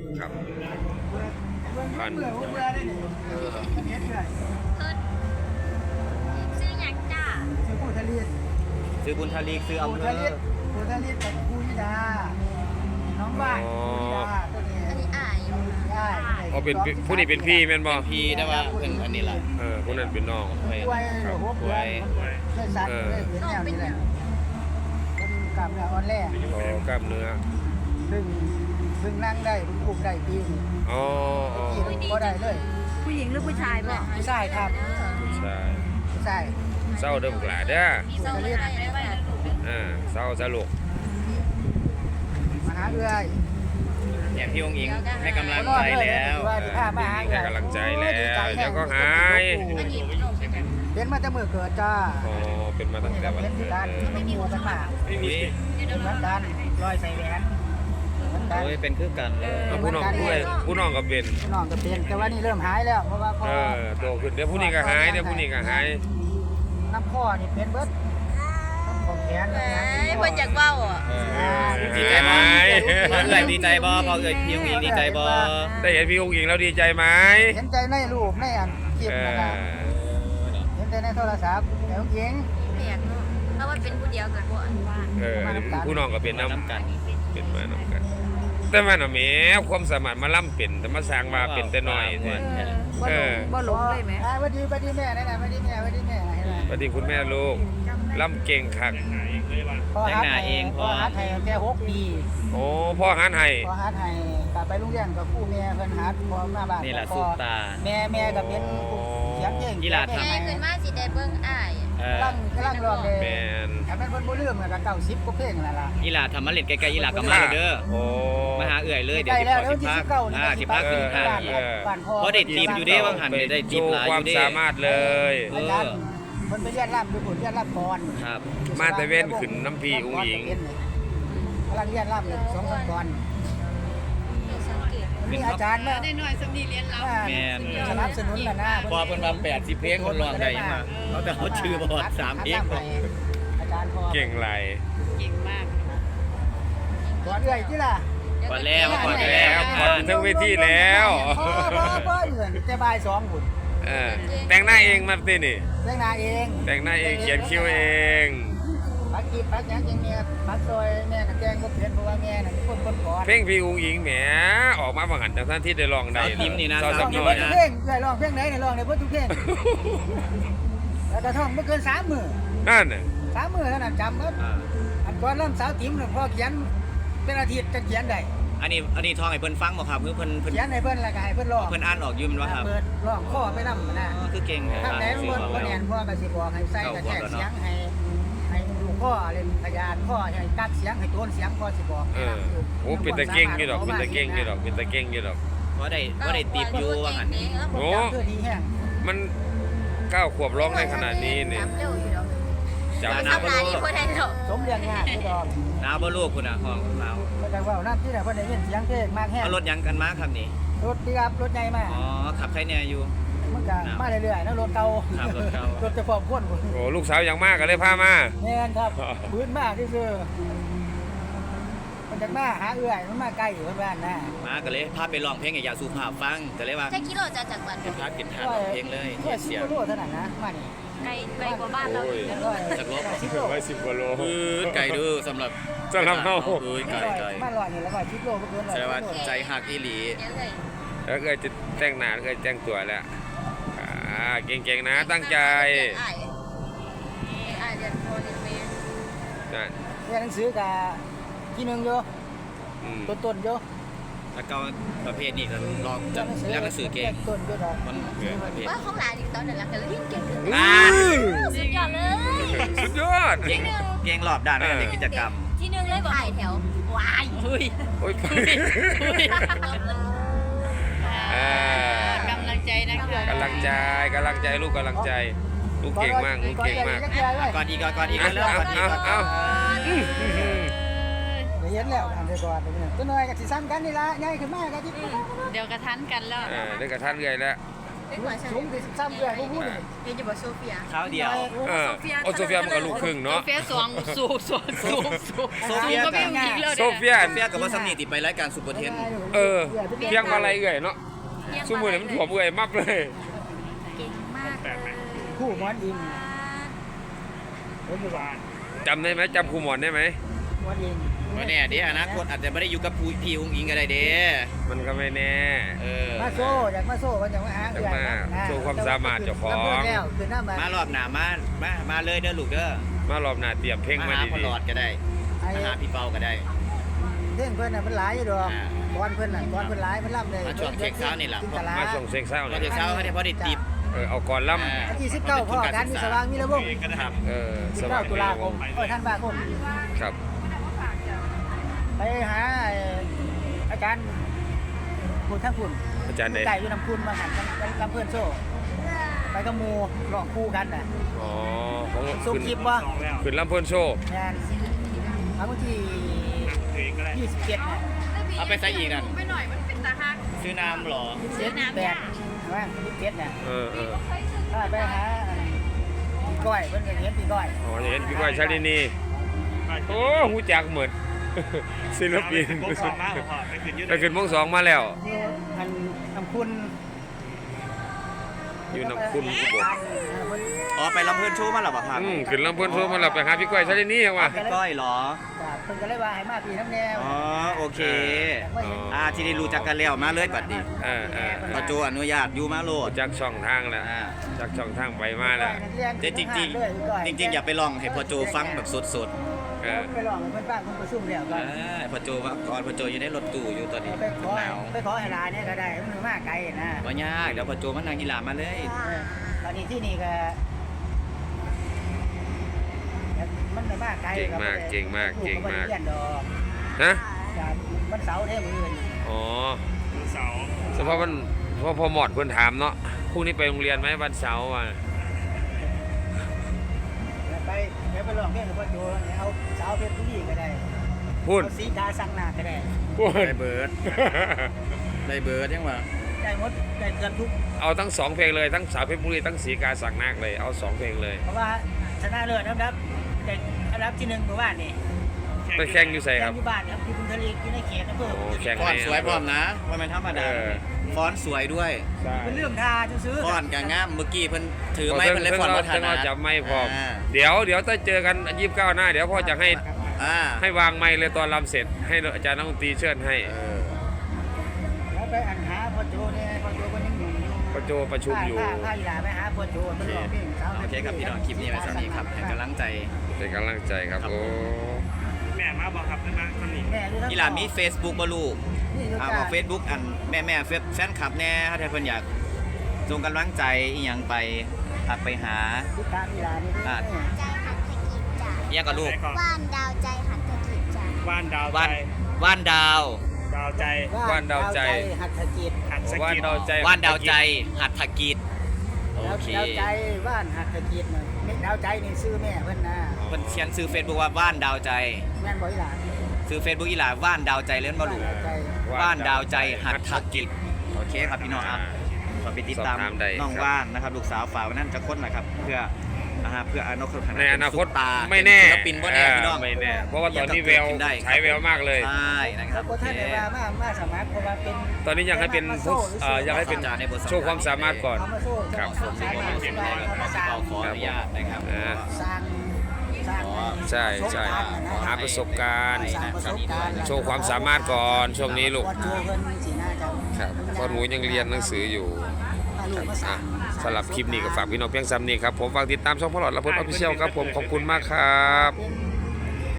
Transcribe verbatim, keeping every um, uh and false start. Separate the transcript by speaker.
Speaker 1: ครับ
Speaker 2: พันเบื่อเบื่อได้เนี่ยเออเฮ็ดเลย
Speaker 3: ซื้อหยังจ้า
Speaker 2: ชื่อปูทะเล
Speaker 4: ซื้อบุญทลีซื้ออำ
Speaker 2: ปู
Speaker 4: เภ
Speaker 2: ทะเล
Speaker 4: อ
Speaker 2: ปูทะเลกับปูยิดาน้องบ้านปูยิดาตัวนี้
Speaker 3: อันนี้อายอยู่
Speaker 2: ได้
Speaker 1: อ๋อเป็นผู้นี้เป็นพี่แม่นบ่
Speaker 4: พี่ได้ว่าเป็นอันนี้แหละ
Speaker 1: เออผู้นั้นเป็นน้อง
Speaker 2: ป่วยหรือหัวป่วยเคยสั่นเคยเป็นแนวนี้แหละคนกล้ามเนื้ออ่อนแรง
Speaker 1: อ๋อกล้ามเนื้อ
Speaker 2: ซึ่งซึ่งนั่งได้คุมได้ปีน
Speaker 1: อ๋ออ๋อ
Speaker 2: ปีนก็ได้เลย
Speaker 3: ผู้หญิงหรือผู้ชายบ่
Speaker 2: ผู้ชายครับ
Speaker 1: ผู้ชาย
Speaker 2: ผู้ชาย
Speaker 1: เศร้าเด้อพวกหลานเด้อ
Speaker 3: มีสองอะไรได้ไหม
Speaker 1: อ่าเศร้าซะลูก
Speaker 2: มาหาเอื้อย
Speaker 4: เนี่ยพี่องค์อิงให้กำลังใจแล้ว
Speaker 2: ว่าที่ข้ามาหา
Speaker 1: ให้กำลังใจแล้วเดี๋ยวก็หาย
Speaker 3: อันนี้ขนมใช่ไหม
Speaker 2: เป็นมาแต่เมื่อเกิดจ้า
Speaker 1: อ๋อเป็นมาตั้งแต่วัน
Speaker 2: เป็น
Speaker 1: เกิ
Speaker 2: ที่
Speaker 1: ด
Speaker 2: การ
Speaker 1: เลย
Speaker 2: ไม่มีกันมา
Speaker 1: ไม่มี
Speaker 2: เหมือนกันรอยใส่แหวนเหมือนกัน
Speaker 4: โอ้ยเป็นคือกันเลย
Speaker 1: เอาผู้น้องผู้ใดผู้น้องก็เป็น
Speaker 2: น้องก็เป็นแต่ว่านี่เริ่มหายแล้วเพราะว่าพอ
Speaker 1: เออโตขึ้นเดี๋ยวผู้นี้ก็หายเดี๋ยวผู้นี้ก็หาย
Speaker 2: น้ำข้อนี่เป็นเบิดน้ำของแขน
Speaker 3: เอ้
Speaker 2: น้ำแขน
Speaker 3: ยเพิ่นอยากเว้าอ่ะ
Speaker 4: เออดีใจบ่พอเอ่ยดีใจบ่พอเอ่ยพี่องค์อิงดีใจบ่
Speaker 1: ได้เห็นพี่อุ้งอิงแล้วดีใจไหม
Speaker 2: เห็นใจในรูปในอันคลิป
Speaker 1: เอ
Speaker 2: นะ
Speaker 1: อ
Speaker 2: ครับเห็นใจในโทรศัพท์แต่ของหญิง
Speaker 3: แปลกเนาะเพราะว่าเป็นผู้เดียวกันบ่อันว่า
Speaker 1: เออผู้น้องก็เป็นน้
Speaker 4: น้ำกัน
Speaker 1: ำเป็นมาน้ำกัน แต่ว่าน่ะแหมความสามารถมาล่ำเป็นแต่มาสร้างมาเป็นแต่น้อยเนี่ย เออ
Speaker 3: บ่หลงเลยไหม
Speaker 2: อ่าวันดีวันดีแม่นั่นน่ะวันดีแม่วันดีแม่เห็นไหม
Speaker 1: สวัสดีคุณแม่ลูกล่ำเก่งคัก
Speaker 2: พ่อฮัทให้พ่อฮัทให้แค่หกปี
Speaker 1: โอ้พ่อหันให้
Speaker 2: พ่อฮัทให้กลับไปโรงเรียนกับครูแม่เพิ่นฮัทพ่อมาบ้าน
Speaker 4: นี่แหละ
Speaker 2: พ่
Speaker 4: สุ
Speaker 2: อ
Speaker 4: ตา
Speaker 2: แม่แม่ก็เป็นผู้เสียงเพลง
Speaker 4: อีหลาทำ
Speaker 3: แม่ขึ้นมาสิได้เบิ่งอ้าย
Speaker 4: เออก
Speaker 2: ำลังกำลังร้องเลย
Speaker 1: แมน
Speaker 2: ถ้าแม่นเพิ่นบ่ลืมก็เก้าสิบกว่าเพลงนั่นล่ะ
Speaker 4: อีหลาทำมาเล่นใกล้ๆอีหลาก็มาเลยเด้อ
Speaker 1: โอ้
Speaker 4: มาหาเอื่อยเลยเดี๋
Speaker 2: ใก
Speaker 4: ยว
Speaker 2: ล้
Speaker 4: สิ
Speaker 2: แล้ว
Speaker 4: ขอ
Speaker 2: เดี๋ยว
Speaker 4: สิ
Speaker 2: ที่
Speaker 4: พัก
Speaker 2: สิบเก้านี่
Speaker 4: อ่าสิพัก
Speaker 2: บ้าน
Speaker 4: ขึ้นทาง
Speaker 2: บ้านพ่อ
Speaker 4: เพราะได้ทีมอยู่เด้ว่างหันได้
Speaker 1: โช
Speaker 4: ทีมห
Speaker 1: ว์
Speaker 4: ลาย
Speaker 1: ค
Speaker 4: อ
Speaker 1: วาม
Speaker 4: ยู่เด้
Speaker 1: สามารถเลย
Speaker 4: เอ
Speaker 2: อา
Speaker 4: อ
Speaker 2: จารย์เพิ่นไปเรียนร่ำอยู่พุ่นเรียนร่ำก่อน
Speaker 4: ครับ
Speaker 1: มาแต่เว้นขึ้นน้ำพีอุ้งอิง
Speaker 2: กำลังเรียนร่ำเลยสองคนก่อน
Speaker 3: มีสังเกต
Speaker 2: มีอาจารย์มา
Speaker 5: ได้หน่อยสำนีเรียนเรา
Speaker 4: แม่น
Speaker 2: สนับสนุนล่ะนะ
Speaker 4: พอเพิ่นว่าแปดสิบเพลงคนร้องได้ยังมาเขาแต่เขาชื่อบ่ฮอดสามเพลงพอ
Speaker 2: อาจารย์พอ
Speaker 1: เก่งไร
Speaker 5: เก่งมาก
Speaker 2: ก่อนเอื้อยที่ล่ะ
Speaker 4: ก่อนแล้วก่อน
Speaker 1: แล้
Speaker 4: แล้ว ว
Speaker 1: พอถึงทั้งเวทีแล้ว
Speaker 2: พ่อพ่อพ่อเอื้อนแต่บ่ายสองพุ่น
Speaker 1: เออแต่งหน้าเองมาสินี่
Speaker 2: เรื่องนาเอง
Speaker 1: แต่งหน้าเองเขียนคิ้วเอง
Speaker 2: ปักกีปักหยังจริงเนี่ยปักซอยแม่กับแกงบ่เปลี่ยนเพราะว่าแม่น่ะเป็นคนคนก่อน
Speaker 1: เพลงพี่อุ้งอิงแหมออกมาบางหันจากท่านที่ได้ลองได้
Speaker 4: สาวยิ้มนี่นะ
Speaker 1: สาว
Speaker 2: ร้
Speaker 1: สั
Speaker 2: อบ ง
Speaker 1: ห
Speaker 2: ได้
Speaker 1: น่อย
Speaker 2: เบิดทุกเพลงเอื้อยร้องเพลงไหนเนี่ยร้องได้เบิดทุกเพลงแล้วก็ท่องบ่เกินสามมื้อ
Speaker 1: นั่นน่ะ
Speaker 2: สามมื้อเท่านั้นจำเบิด
Speaker 4: อ่า
Speaker 2: อันก่อนเริ่มสาวติ๋มเนี่ยพ่อเขียนเป็นอาทิตย์จะเขียนได้
Speaker 4: อันนี้อันนี้ทองให้เพิ่นฟังบ่ครับคือเพิ่นเพิ่น
Speaker 2: เขียนให้เพิ่นแล้วก็ให้เพิ่นร้อง
Speaker 4: เพิ่นอ่านออกอยู่แมันว่าครับ
Speaker 2: เปิดร้องข้อไปนำนะ
Speaker 4: อ๋อคือเก่งแท้
Speaker 2: ถ้าไหนมันบ่บ่แน่นพ่อก็สิบอกให้ใส่กระแทกเสียงให้ให้ดูข้อเล่นพยานข้อให้กัดเสียงให้โทนเสียงพ่อสิบอก
Speaker 1: เออโอ้เป็นตะเก่งอยู่ดอกเป็นตะเก่งอยู่ดอกเป็นตะเก่งอยู่ดอก
Speaker 4: บ่ได้บ่ได้ติดอยู่ว่าหั่น
Speaker 1: โอ้
Speaker 2: โอ้คือดีแฮง
Speaker 1: มันเก้าขวบร้องได้ขนาดนี้เนี่ย
Speaker 3: เร็วอยู่ดอก
Speaker 1: จำ
Speaker 3: ทำ
Speaker 1: ได้
Speaker 3: ลายนี่บ่ได้ดอก
Speaker 2: สมเรียงงานคือดอก
Speaker 4: หนาวบ่ลูกคุณน่ะห้องหนาว
Speaker 2: ก็จังว่าน้ำที่ไหนเพิ่นได้ยินเสียงเพลงมากแฮง
Speaker 4: เอารถยังกันมาครับนี่
Speaker 2: รถดีครับรถใหญ่มาก
Speaker 4: อ๋อขับใครเนี่ยอยู่
Speaker 2: มันก็มาเรื่อยๆนะรถเก่า
Speaker 4: ครับรถเก่าร
Speaker 2: ถจะพร้อมคนพุ่น
Speaker 1: โอ้ลูกสาวอย่างมากก็เลยพามา
Speaker 2: แม่นครับพื้นมากที่สุดมันจะมาหาเอื้อยมันมาใกล้อยู่บ้านนะ
Speaker 4: มาก็เลยพาไปร้องเพลงให้ยาสุภาพฟังก็เลยว่า
Speaker 3: จะกิโลจะจากบ้าน
Speaker 4: เป็นพาเป็นทานร้องเพลงเลย
Speaker 2: เพื่อ
Speaker 4: เสี
Speaker 2: สิ
Speaker 4: ย
Speaker 2: บโลเท่านั้นนะมานี่
Speaker 3: ไกลไกลกว่าบ้านเราอีกนะ
Speaker 2: ร้อย
Speaker 4: จากรถ
Speaker 2: สิบโล
Speaker 1: ไว้สิบกว่าโล
Speaker 4: อือไก่ดื้อสำหรับ
Speaker 1: สำหรับเฮา
Speaker 4: เอ้ยไก่ไก่
Speaker 2: มาร้อยนี่แล้วก็สิบโลบ่เกินร้อย
Speaker 4: แสดงว่าใจหักอีหลี
Speaker 3: เดี๋ยวเลย
Speaker 1: แล้วเคยจะแต่งหน้าเคยแต่งตัวแล้วอ่าเก่งๆนะตั้งใจ
Speaker 3: อ้ายอ้ายเรียนโทรเรียนเมย์
Speaker 1: นั่น
Speaker 2: เรียนหนังสือกับที่หนึงอยู่
Speaker 1: อืม
Speaker 2: ต้นๆอยู่
Speaker 4: แล้วก็ประเภทนี้ก็ลองจะเรียนหนังสือเก่ง
Speaker 2: ต้นอยู่ดอก
Speaker 4: มันเกิดประเภท
Speaker 3: ว่าห้องหลานอีกตอนนั้นละกันเรียนเก่งขึ้น
Speaker 1: อ่า
Speaker 3: สุดยอดเลย
Speaker 1: สุดยอด
Speaker 4: เก่งเก่งรอบด้านในกิจกรรม
Speaker 3: ที่หนึ่งเลยบอกไอ้แถววาย
Speaker 5: อุ้ย
Speaker 1: โอ้ย อ่าก
Speaker 5: ำลังใจนะคะ
Speaker 1: กำลังใจกำลังใจลูกกำลังใจ ลูกเก่งมากลูกเก่งมาก
Speaker 4: ก่อนอีกก่อนอีก
Speaker 1: เอา
Speaker 4: แล้วก่อนอีก
Speaker 1: เอาเอา
Speaker 2: เดี๋ยวเห็นแล้วอันเดียวก่อนตัวน้อยกับสิซ้ำกันนี่ละใหญ่ขึ้นมากกับที่
Speaker 5: เดี๋ยวกระทันกันแล้ว
Speaker 1: เออได้กระทันเลยแล้ว
Speaker 3: เด็กหน่อยใช่ไหม
Speaker 2: สูงที่สิบสามเดือนพวกพูดเลย
Speaker 3: เรียนอยู่บโซเฟีย
Speaker 4: คราวเดียว
Speaker 1: เออโอโซเฟียมันก็ลูกครึ่ง
Speaker 5: โซ
Speaker 1: เนาะ
Speaker 5: เฟียสองสูบสูบสูบสูบ
Speaker 4: โซเฟีย
Speaker 5: ก็ไม่ต้องยิงเลย
Speaker 1: โซเฟีย
Speaker 4: เฟียกับว่าสำนีติดไปรายการซุปเปอร์เทน
Speaker 1: เออเพียงมาอะไรเอื่อยเนาะซุมือเนี่ยมันถ่วมเอื่อยมากเลย
Speaker 3: เก่งมากเลย
Speaker 2: คู่มอนอิงผมอยู่บ้าน
Speaker 1: จำได้ไหมจำครูหมอนได้ไหม
Speaker 2: มอนอิง
Speaker 4: ว่าแน่เด้อนาคตอาจจะไม่ได้อยู่กับผู้พี่องค์อิงก็ได้เด้
Speaker 1: มันก็ไม่แน่
Speaker 4: เออ
Speaker 2: มาโซ่อยากมาโซ่ก็อยากมาหา
Speaker 1: อยากมาโชว์ความสามารถเจ้าของ
Speaker 2: แล้วคือหน้ามาม
Speaker 4: ารอบหน้ามามามาเลยเด้อลูกเด้อ
Speaker 1: มารอบหน้าเตรียมเพลง
Speaker 4: มา
Speaker 1: มา
Speaker 4: หาพอ
Speaker 1: ดี
Speaker 4: หลอดก็ได้
Speaker 2: ไอ้
Speaker 4: มาหาพี่เปาก็ได้
Speaker 2: เรื่องเพื่อนน่ะมันหลายอยู่ดอก
Speaker 4: อ่า
Speaker 2: ก้อนเพื่อนน่ะก้อนเพื่อนหลายมันล่ำเลย
Speaker 4: มาช่วงเช็คเช้านี่ล่ะ
Speaker 2: จิตลา
Speaker 1: ๆมาส่งเซ็กเศร้า
Speaker 4: ต
Speaker 1: เล
Speaker 4: อน
Speaker 1: ย
Speaker 4: เช้าเขาได้พอได้ติบ
Speaker 1: เออเอาก่อนล่
Speaker 4: อ่า
Speaker 2: วันที่สิบเก้าพ่อการมีสว่างมีระบบ
Speaker 4: ครับ
Speaker 1: ำเออ
Speaker 2: สิ
Speaker 1: ส
Speaker 2: บ
Speaker 1: ว่า
Speaker 2: เก้าง ตุลาคมโอ้ยท่านบาคม
Speaker 1: ครับ
Speaker 2: ไปหาไอ้อาจารย์คุณทั้งคุณ
Speaker 1: อาจารย์เดช
Speaker 2: ไก่อยู่นำคุณมาหันกันลำเพื่อนโซ่ไปกับหมูหลอกคู่กันน่ะ
Speaker 1: อ๋อของ
Speaker 2: ส่ง
Speaker 1: ขึ้น
Speaker 2: คลิปว่า
Speaker 1: ขึ้นลำเพิ่นโชว์
Speaker 2: งานเอาวันที่ยี่สิบเจ็ดน่ะ
Speaker 4: เอาไปใส่อีกนั่น
Speaker 5: ไปหน่อยมันเป็นตาฮัก
Speaker 4: ซื้อน้ำเหรอ
Speaker 2: ยี่สิบเจ็ดแปดว่ายี่สิบเจ็ดน่ะ
Speaker 1: เออเออ
Speaker 2: ถ้าไปหาปีก้อยเพิ่นก็เห็นปีก้อย
Speaker 1: อ๋อจะเห็นพี่ก้อยชาลินีโอ้หูจักเหมือน ศิลปินไปขึ้นวงสองมาแล้ว
Speaker 2: อยู่อันนำคุณ
Speaker 1: อยู่นำคุณอุบล
Speaker 4: อ๋อไปลำเพื่อนโชว์มาหรอเปล่าครับ
Speaker 1: อืมขึ้นลำเพิ่นโชว์มาแล้วไปหาพี่ก้อยชาลินีเอาว่ะ
Speaker 4: พี่ก้อยเหรอ
Speaker 2: เพิ่นก็เลยว่าให้มาปีน้ำแนว
Speaker 4: อ๋อโอเค
Speaker 1: อ๋อ
Speaker 4: อ่าที่ได้รู้จักกันแล้วมาเลยบัดนี้
Speaker 1: เออเออเอ
Speaker 4: พอ
Speaker 1: อ
Speaker 4: โจอนุญาตอยู่มาโลด
Speaker 1: จักช่องทางแล้ว
Speaker 4: อ่า
Speaker 1: จักช่องทางไปมาแล้ว
Speaker 4: แต่จริงจริงๆจริงๆ อย่าไปลองให้พอโจฟังแบบสด
Speaker 1: เออ
Speaker 2: ไปลองให้เพิ่นฟังเพิ่นประชุมแล้ว
Speaker 4: ๆ
Speaker 2: ก็
Speaker 4: อ่าพอโจว่าก่อนพอโจอยู่ในรถตู้อยู่ตอนนี้
Speaker 2: ไปขอ
Speaker 4: หนาว
Speaker 2: ไปขอให้ลาเนี่ยก็ได้มันมาไกลนะ
Speaker 4: บ่ยากเดี๋ยวพอโจมันนางกีฬามาเลย
Speaker 2: ตอนนี้ที่นี่ก็มันไม่มากไกล
Speaker 1: เก่งมากเก่งมากเก่งมาก
Speaker 2: เรียนดอก
Speaker 1: ฮะ
Speaker 2: จากวันเสาร์เท่มื้ออื่น
Speaker 1: อ๋อเฉพาะมันพอพอหมอดเพิ่นถามเนาะพรุ่งนี้ไปโรงเรียนไหมวันเสาร์อ่ะ
Speaker 2: ไปเดี๋ยวไปลองเพลงกับพ่อโจเนี่ยเอาสาวเพชรบุรีก็ได้
Speaker 1: พูด
Speaker 2: เอาสีกาสังนาก็ได้
Speaker 1: พูด
Speaker 4: ได้เบิร์ดได้เบิร์ดยังวะ
Speaker 2: ได้หมดได้เกือบทุก
Speaker 1: เอาทั้งสองเพลงเลยทั้งสาวเพชรบุรีทั้งสีกาสักนักเลยเอาสองเพลงเลย
Speaker 2: เพราะว่าชนะเลิศนะครับแต่อันดับที่หนึ่งเมื่อวานนี่
Speaker 1: ไปแข่งอยู่ใส่
Speaker 2: แข่
Speaker 1: ครับ
Speaker 2: งที่บ้านครับที่บุญทลีอยู่ในเขตอำเภอ
Speaker 1: โอ้แข่ง
Speaker 4: ฟอน
Speaker 1: ใน
Speaker 4: ต์สวยพร้อมนะว่ามันธรรมดา
Speaker 1: เออ
Speaker 4: ฟอนต์สวยด้วย
Speaker 1: ใช่
Speaker 2: เป็นเรื่องทาจะซื้อ
Speaker 4: ฟอนต์ก็งามเมื่อกี้เพิ่นถือไม้
Speaker 1: เพิ่
Speaker 4: เพิ่นเลยฟอนต์
Speaker 1: เรา
Speaker 4: บ่ทัน
Speaker 1: เรา
Speaker 4: นะ
Speaker 1: จับไม่พร้อม
Speaker 4: อ่า
Speaker 1: เดี๋ยวเดี๋ยวถ้าเจอกันยี่สิบเก้าหน้าเดี๋ยวพ่อจะให้
Speaker 4: อ่า
Speaker 1: ให้วางไม้เลยตอนรำเสร็จให้อาจารย์นักดนตรีเชิญให้
Speaker 4: เออ
Speaker 2: แล้วไปอันหาพ่อโจเนี่ยพ่อโจก็ยังอยู่
Speaker 1: ประโจประชุมอยู่
Speaker 2: ถ้าถ้าอีหลาไปหาพ่อโจมันร้องเพลงสาว
Speaker 4: โอเคครับพี่น้องคลิปนี้ไว้สำหรับนี้ครับให้กำลังใจ
Speaker 1: เป็นกำลังใจครับโอ้
Speaker 6: แม่มาบอกครับได้มาตอนนี้
Speaker 2: แม่อยู่ทั้ง
Speaker 4: อีหลามี Facebook บ่ลูก
Speaker 2: นี่อยู่
Speaker 4: อ่า
Speaker 2: จ้า
Speaker 4: บอก Facebook อันแม่แม่ๆแฟนคลับแน่ถ้าเพิ่นอยากส่งกำลังใจอีหยังไปทักไปหา
Speaker 2: ติดตามอีหลานี่
Speaker 4: อ่า
Speaker 2: ด้วย
Speaker 3: ใจหัตถกิจจ้ะ
Speaker 4: อีหยังกับลูก
Speaker 6: ใส่ก่อน
Speaker 3: ว่านดาวใจหัตถกิจจ้ะ
Speaker 6: ว่านดาวใจ
Speaker 4: ว่านว่านดาว
Speaker 6: ดาวใจ
Speaker 1: ว่านดาวใจ
Speaker 2: หัตถกิจ
Speaker 6: หัดส
Speaker 1: ว่าน
Speaker 6: กิด
Speaker 1: ดาวใจ
Speaker 4: ว่านดาวใจหัตถกิจโอเค
Speaker 2: ดาวใจว่านหัตถกิจน่ะนี่ดาวใจนี่ซื้อแม่เพิ่นนะ
Speaker 4: เพิ่นเขียนซื้อ Facebook ว่าว่านดาวใจ
Speaker 2: แม่นบ่อีหลา
Speaker 4: ซื้อ Facebook อีหลาว่านดาวใจเล่นบ่ลูก
Speaker 2: ดาวใจ
Speaker 4: ว่านดาวใจหัตถกิจโอเคครับพี่น้องอ่ะขอไปติดตาม
Speaker 1: สอบถามได้
Speaker 4: น้อง
Speaker 1: ครับ
Speaker 4: ว่านนะครับลูกสาวฝากไว้นั่นจะค้นนะครับเพื่อนะฮะเพื่ออนาคต
Speaker 1: ในอนาคต
Speaker 4: เป็ซุปตา
Speaker 1: ไม่แน่
Speaker 4: ศิลปินบ่แน่พี่น้อง
Speaker 1: เไม่แน่เพราะว่าตอนนี้แวว
Speaker 4: ยังกับเกิดขึ้นได้
Speaker 1: ฉายแววมากเลย
Speaker 4: ใช่นะครับ
Speaker 2: บ่ท่านได้ว่ามามาสมัครเพราะว่าเป็น
Speaker 1: ตอนนี้อยากให้เป็นผู้เอ่ออยากให้เป็น
Speaker 4: ในบทสัมภาษณ์
Speaker 1: โชว์ความสามารถก่อน
Speaker 2: เอามาสู้
Speaker 1: ครับ
Speaker 2: สามารถสู้ได้เอามาสร้าง
Speaker 4: เราขออนุญาตนะครับ
Speaker 1: อ่า
Speaker 2: สร้างสร้าง
Speaker 1: ใช่ใช่หาประสบการณ์
Speaker 2: สร้างประสบการณ์
Speaker 1: โชว์ความสามารถก่อนช่วงนี้ลูก
Speaker 2: วัดโจเพิ่นสิน่าจะ
Speaker 1: ครับเพราะหนูยังเรียนหนังสืออยู่
Speaker 2: เอาลูกมาสร้า
Speaker 1: อ่ะ
Speaker 2: ง
Speaker 1: สำหรับคลิปนี้ก็ฝากพี่น้องเพียงซ้ำนี้ครับผมฝากติดตามช่องพลอดและพลออฟฟิเชียลครับผมขอบคุณมากครับ
Speaker 2: เป็น